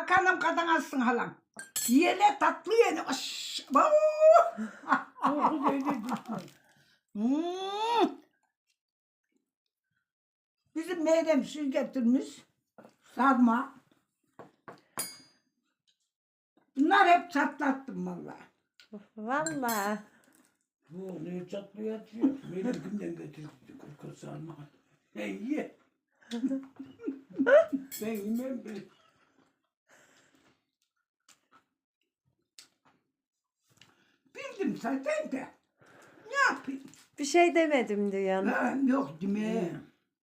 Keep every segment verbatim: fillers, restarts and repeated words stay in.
Bakanım kadın alsın halam. Yene tatlı yene. Aş, bau. Hmm. Bizim Meyrem süz getirmiş. Sarma. Bunlar hep çatlattım vallahi. Vallahi. Bu ne çatlıyor atıyor. Benim kimden getirdi kurka sarma. Sen ye. Ben yemem ben. Bildim zaten de. Ne yapayım? Bir şey demedim diyorsun. Ha, yok değil mi?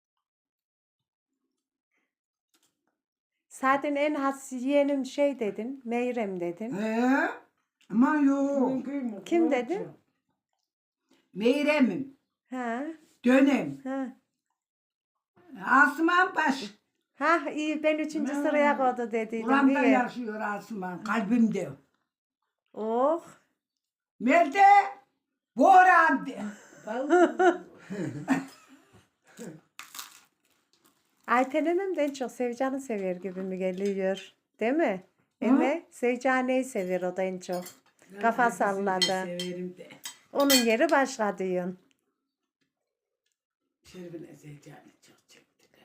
Zaten en has yeğenim şey dedin. Meyrem dedin. He? Aman yok. Kim dedi? Meyrem'im. Ha. Dönem. Ha. Asuman Baş. Ha iyi ben üçüncü Ha. sıraya koydu dediydim. Buramda İyi. yaşıyor Asuman. Kalbimde. Oh. Nerede? Boran'da. Ayten Hanım da en çok Sevcan'ı sever gibi mi geliyor? Değil mi? Eme Sevcan'ı sever o da en çok. Kafa salladı. Severim de. Onun yeri başka diyorsun. Şerif'in Zeycan'ı çok çektiler.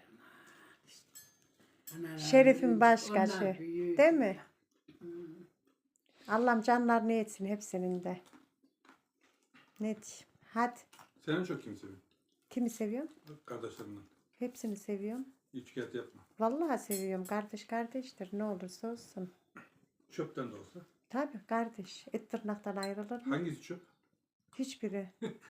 Ana Şerif'in rahmet başkası, eylesin. Onlar büyük değil mi? ya. Allah'ım canlarını etsin hepsinin de. Ne diyeyim? Hadi. Sen en çok kimi seviyorsun? Kimi seviyorsun? Kardeşlerinden. Hepsini seviyorum. Hiç kıyat yapma. Vallahi seviyorum. Kardeş kardeştir. Ne olursa olsun. Çöpten de olsa. Tabii kardeş. Et tırnaktan ayrılır mı? Hangisi çöp? Hiçbiri.